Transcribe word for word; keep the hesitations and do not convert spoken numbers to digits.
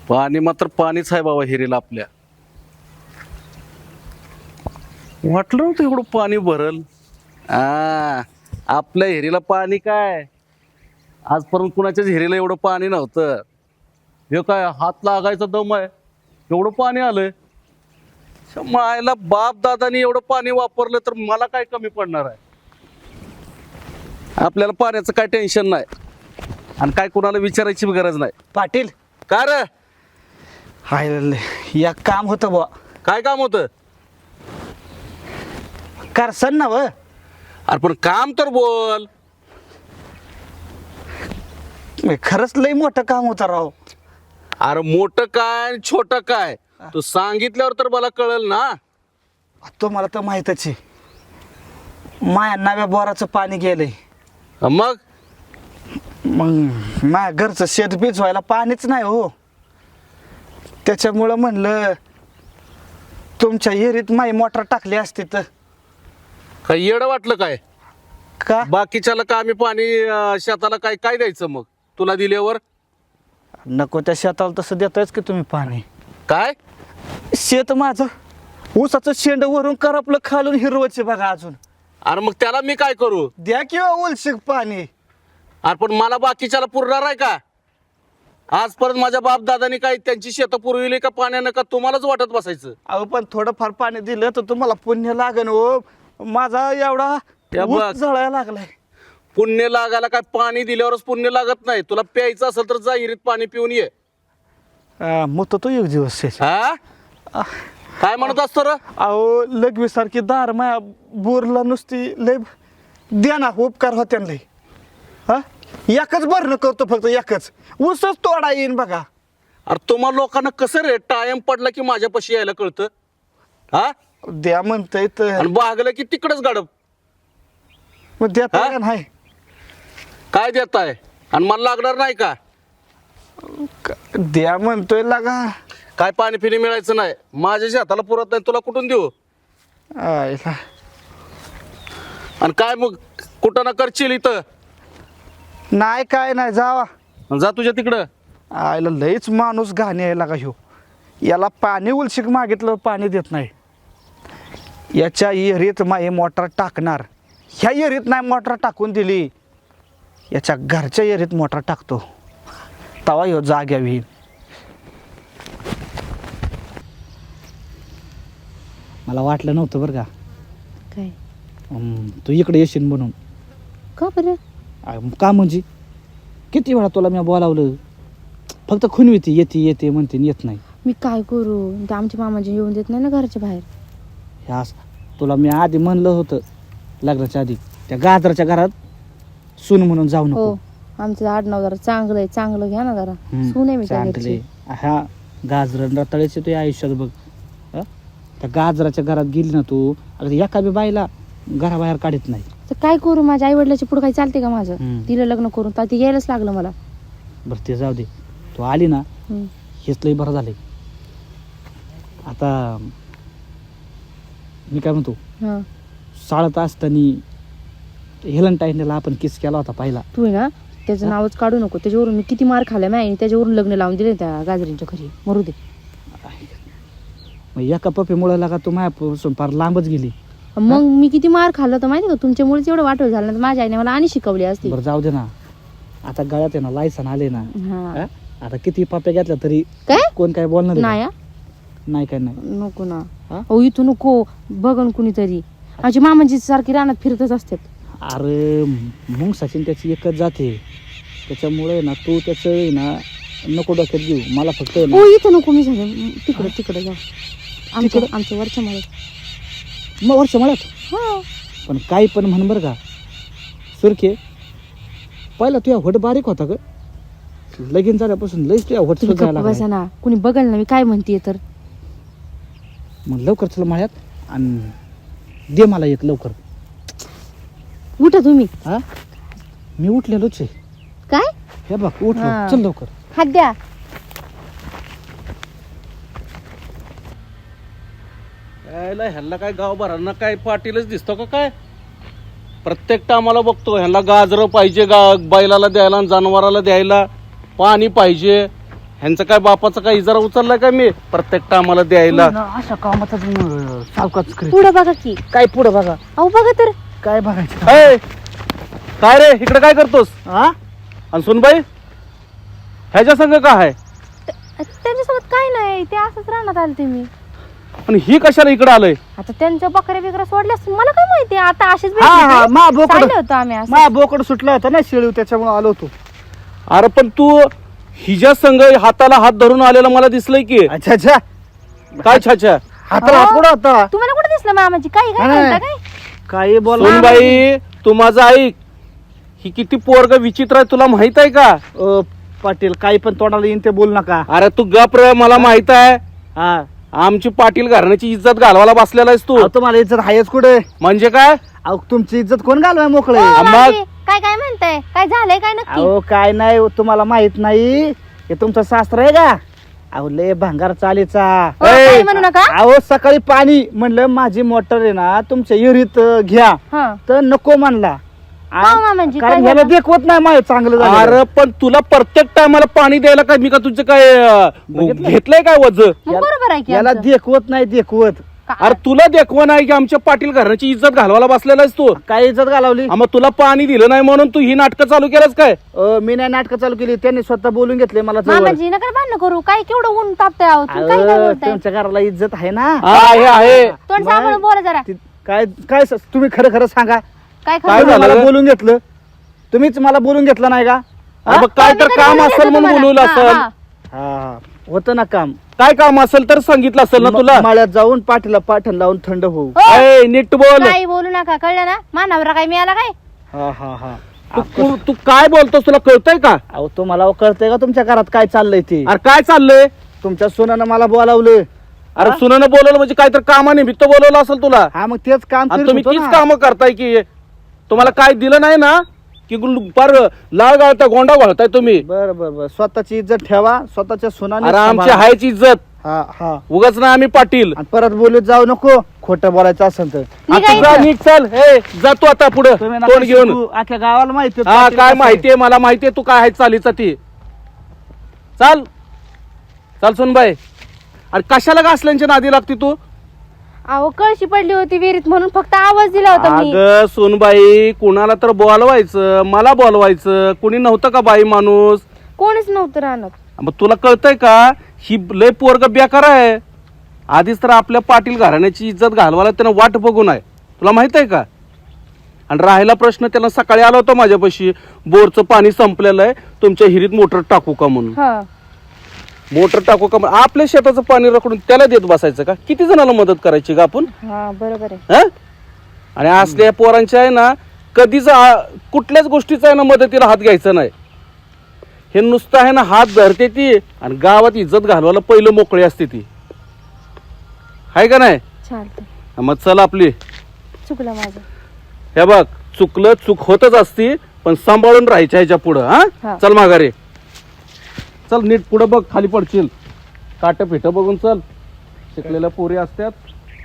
पाणी मात्र पाणीच आहे बाबा हिरीला आपल्या. वाटलं नव्हतं एवढं पाणी भरल. आ आपल्या हिरीला पाणी काय, आजपर्यंत कुणाच्याच हिरीला एवढं पाणी नव्हतं. हे काय हात लागायचा दम आहे एवढं पाणी आलंय. मायला बाप दादानी एवढं पाणी वापरलं तर मला काय कमी पडणार आहे. आपल्याला पाण्याचं काय टेन्शन नाही आणि काय कुणाला विचारायची गरज नाही. पाटील का रे, हाय या काम होतं बुवा. काय काम होतं? करसन ना व. अरे पण काम तर बोल. खरंच लय मोठं काम होतं राव. अरे मोठं काय छोटं काय तू सांगितल्यावर तर मला कळल ना. तो मला तर माहीतच आहे. माया नव्या बोराचं पाणी गेलंय. मग मग माझ्या घरचं शेत बीज व्हायला पाणीच नाही हो. त्याच्यामुळं म्हणलं तुमच्या विहिरीत माई मोटर टाकली असती तर. काय येडं वाटलं काय? का बाकीच्याला का आम्ही पाणी अं, शेताला काय काय द्यायचं मग तुला दिल्यावर? नको त्या शेताला तसं देतायच की तुम्ही पाणी. काय शेत माझं ऊसाचं शेंड वरून करपलं खालून हिरवचे बघा अजून. अरे मग त्याला मी काय करू? द्या किंवा उलशिक पाणी. अरे पण मला बाकीच्याला पुरणार आहे का? आजपर्यंत माझ्या बाप दादानी काय त्यांची शेतं पुरविली का पाण्यानं, का तुम्हालाच वाटत बसायचं? अहो पण थोडंफार पाणी दिलं तर तुम्हाला पुण्य लागन हो. माझा एवढा त्या ऊस बघ. जळायला लागलाय. पुण्य लागायला काय पाणी दिल्यावरच पुण्य लागत नाही. तुला प्यायचं असेल तर जा विहिरीत पाणी पिऊन ये. मग तो एक दिवस आहे. हा काय म्हणत असतो रे? अहो लघवी सारखी दार माया बोरला नुसती लय द्या ना उपकार होत्या लय. हा एकच भरणं करतो फक्त एकच. ऊसच तोडा येईन बघा. अरे तुम्हा लोकांना कसं रे टाइम पडला की माझ्यापाशी यायला कळतं? हा द्या म्हणतंय तर आणि बागलं की तिकडच गाडप. मग द्या हा? तर नाही. काय देताय आणि मला लागणार नाही का? द्या म्हणतोय लागा. काय पाणी फिनी मिळायचं नाही. माझ्या शेताला पुरत नाही तुला कुठून देऊ? आयला. आणि काय मग कुठं ना करशील इथं? नाही काय नाही जावा. जा तुझ्या तिकडं. आयला लयच माणूस घाणी आहे लागा ह्यो. याला पाणी उलशिक मागितलं पाणी देत नाही. याच्या विहिरीत माई मोटर टाकणार. ह्या विहिरीत नाही मोटर टाकून दिली, याच्या घरच्या विहिरीत मोटर टाकतो. तवा ह्यो जाग्या विहीर. मला वाटलं नव्हतं बरं का काय अं, तू इकडे येशील म्हणून. का बरं? अं, का म्हणजे किती वेळा तुला मी बोलावलं, फक्त खुनविती येते येते म्हणते येत नाही. मी काय करू? ते आमच्या मामाजी येऊन देत नाही ना घरच्या बाहेर. ह्या तुला मी आधी म्हणलं होतं लग्नाच्या आधी, त्या गाजराच्या घरात सून म्हणून जाऊ हो नको. आमचं आडनाव जरा चांगलं आहे, चांगलं घ्या ना जरा. हम्म, सून आहे मी त्या चांगले. घरची. ह्या गाजर रताळ्याचे तुझ्या आयुष्यात बघ. हं? त्या गाजराच्या घरात गेली ना तू, अगदी एका बी बाईला घराबाहेर काढत नाही. तर काय करू? माझ्या आई वडिलाची पुढे काही चालते का माझं? हम्म. तिला लग्न करून तर ती यायलाच लागलं मला. बरं ते जाऊ दे, तू आली ना हम्म. हेच लय बरं झालंय. आता मी काय म्हणतो, हा शाळेत असताना हेलंटाईनला आपण किस केला होता पहिला. तू आहे ना त्याचं नावच काढू नको. त्याच्यावरून मी किती मार खाल्ला नाही, त्याच्यावरून लग्न लावून दिले त्या गाजरींच्या घरी. मरू दे. मग एका पप्पीमुळे लागा तू माझ्यापासून फार लांबच गेली. मग मी किती मार खाल्लं तर माहिती का? तुमच्यामुळेच एवढं वाटवं झालं ना. माझ्या आईने मला आणि शिकवली असती. बरं जाऊ दे ना, आता गळ्यात आहे ना लायसन आले ना. हा हं? आता किती पप्प्या घेतल्या तरी काय कोण काय बोलणार आहे नाही का? हा? नाही काय नाही. नको ना. हा? अहो इथं नको. बघन कुणीतरी. आमची मामाजी सारखी रानात फिरतच असतात. अरे मग सचिन त्याची एकच जाते, त्याच्यामुळे ना तू त्याचं आहे ना नको डोक्यात घेऊ. मला फक्त आहे हो ना इथं नको. मी झाले तिकडं तिकडं जा. आमच्या आमच्या वरच्या मला. मग वर्ष म्हणत हा पण काही पण म्हण बरं का सुरखे, पहिला तुझ्या होट बारीक होता ग, लगीन झाल्यापासून लईच तुझ्या होट तुम्ही सुद्धा गप्प बसा लागला. ना. कुणी बघल ना मी काय म्हणते तर. मग लवकर चल माळ्यात आणि दे मला एक लवकर. उठा तुम्ही. हा मी उठलेलोच आहे. काय हे बघ उठलो, हा. चल लवकर. हात द्या. यायला ह्यांना काय गावभरांना काय पाटीलच दिसतो का काय? प्रत्येक टायमाला बघतो ह्यांना गाजरं पाहिजे, गा बैलाला द्यायला आणि जनावराला द्यायला पाणी पाहिजे. ह्यांचं काय बापाचा काय इजारा उचललाय का मी प्रत्येक टायमाला द्यायला? ना, अशा कामाचा सावकाच करीत. पुढं बघा की. काय पुढं बघा, अहो बघा तर. काय बघायचं? ए, काय रे इकडे काय करतोस? हा आणि सुनबाई ह्याच्या संग काय आहे? त- त्यांच्यासोबत काय नाही, ते असंच राहण्यात आले ते मी. आणि ही कशाला इकडे आलंय? आता त्यांच्या बकऱ्या बिकऱ्या सोडल्या असतील, मला काय माहिती. आता असेच हा हा भेटले मा ते. बोकड चालले होतो आम्ही असं. मा बोकड सुटला होता ना शेळीव, त्याच्यामुळे आलो होतो. अरे पण तू हिच्या संग हाताला हात धरून आलेला मला दिसलंय की. अच्छा अच्छा, काय छाछा? हाताला हात पुढं होता. तुम्हाला कुठे दिसलं मामाची? काही काय नाही. म्हणता काय? काही बोल सुनबाई तू माझं ऐक, ही किती पोरग विचित्र आहे तुला माहित आहे का? अ, पाटील काही पण तोंडाला येईन ते बोल नका. अरे तू गप रे, मला माहित आहे हा आमची पाटील घराण्याची इज्जत घालवायला बसलेला आहेस तू. अहो, तुम्हाला इज्जत आहेच कुठे? म्हणजे काय? अहो तुमची इज्जत कोण घालवाय मोकळे? हो, मग? मावशी, काय काय म्हणताय? काय झालंय काय नक्की? अहो काय नाही, तुम्हाला माहित नाही हे तुमचं शास्त्र आहे का? अहो लय भंगार चालीचा. हो, काही म्हणू नका. अहो सकाळी पाणी म्हणलं माझी मोटर आहे ना तुमच्या विहिरीत अ, घ्या, हा. तर नको म्हणला. आ- हा, मामांजी, काय कारण ह्याला झालं? देखवत नाही माझं चांगलं झालं. अरे पण तुला प्रत्येक टायमाला पाणी द्यायला काय मी का तुझं काय अं, बघितलं? घेतलंय काय वज? मग बरोबर आहे की याला आमचं. देखवत नाही देखवत. का- अरे तुला देखवा नाही की आमच्या पाटील घराण्याची इज्जत घालवायला बसलेला आहेस तू. काय इज्जत घालवली? आ, मग तुला पाणी दिलं नाही म्हणून तू ही नाटकं चालू केलंस काय? अ, मी नाही नाटकं चालू केली, त्यांनी स्वतः बोलून घेतले मला जवळ. मामाजी नका भांडण करू. काय केवढं ऊन तापतंय आहो. तुम्ही काय काय अहो, बोलताय? तुमच्या घराला इज्जत आहे ना. हा आहे आहे. तोंड मग- सांभाळून बोला जरा. ती- काय काय स- तुम्ही खरं खरं सांगा. काय काय खरं? तुम्ही झालं मला ग? बोलून घेतलं, तुम्हीच मला बोलून घेतलं नाही का? अरे मग काय मी तर कधी काम बोलले असेल होते म्हणून तुम्हाला? बोलवलं हा, असेल. हा. हा होतं ना काम. काय काम असेल तर सांगितलं असेल ना तुला. म- मळ्यात जाऊन पाठीला पाठण लावून थंड होऊ. हो, ए, नीट बोल. काही बोलू नका, कळलं ना? मानावरा काय मिळाला काय? हा हा हा तू तू- तू काय बोलतोस तुला कळतंय का? अहो तुम्हाला कळतंय का तुमच्या घरात काय चाललंय ते? अरे काय चाललंय? तुमच्या सोनानं मला बोलावलं. अरे सुनानं बोलवलं म्हणजे काय तर कामानिमित्त बोलवलं असेल तुला. हा मग तेच काम आणि करीत तुम्ही होतो तीच ना. कामं करताय की तुम्हाला काय दिलं नाही ना की गुल- पार लाळ गाळताय गोंडा घालताय तुम्ही. बर बर बर स्वतःची इज्जत ठेवा, स्वतःच्या सोनाने अरे आमची सांभाळा. हायची इज्जत हा हा उगाच ना आम्ही पाटील. आणि परत बोलत जाऊ नको खोटं बोलायचं असेल तर. निघा आता जा, इथं. निघ चल. ए जातो आता पुढे तुम्ही तोंड नका घेऊन. शिकू, अख्ख्या गावाला माहिती हा पाटील काय कसं आहे. माहितीये मला माहितीये तू काय आहे चालीचा ती. चाल चाल सुनबाई. अरे कशाला गासल्यांच्या नादी लागती तू? अहो कळशी पडली होती विहिरीत म्हणून फक्त आवाज दिला होता मी. अगं सुनबाई कुणाला तर बोलवायचं, मला बोलवायचं, कुणी नव्हतं का बाई माणूस? कोणीच नव्हतं राहणार. मग तुला कळतंय का ही लय पोरग बेकार आहे. आधीच तर आपल्या पाटील घराण्याची इज्जत घालवायला त्यानं वाट बघून आहे, तुला माहित आहे का? आणि राहिला प्रश्न, त्याला सकाळी आला होता माझ्यापाशी, बोरचं पाणी संपलेलं आहे, तुमच्या हिरीत मोटर टाकू का म्हणून. हा. मोटर टाकू का म्हणून आपल्या शेताचं पाणी रखडून त्याला देत बसायचं का? किती जणांना मदत करायची का आपण? हा बरोबर आहे. हं? आणि असल्या पोरांच्या आहे ना कधीच आ- कुठल्याच गोष्टीचा आहे ना मदतीला हात घ्यायचा नाही. हे नुसतं आहे ना हात धरते ती आणि गावात इज्जत घालवायला पहिलं मोकळी असते ती, आहे का नाही? चालतं. मग चल आपली. चुकलं माझं. हे बघ चुकलं चूक होतच असती, पण सांभाळून राहायच्या ह्याच्या पुढं. हा. हा चल माघारे चल, नीट पुढं बघ, खाली पडशील. काट फिट बघून चल, शिकलेल्या पोरी असतात.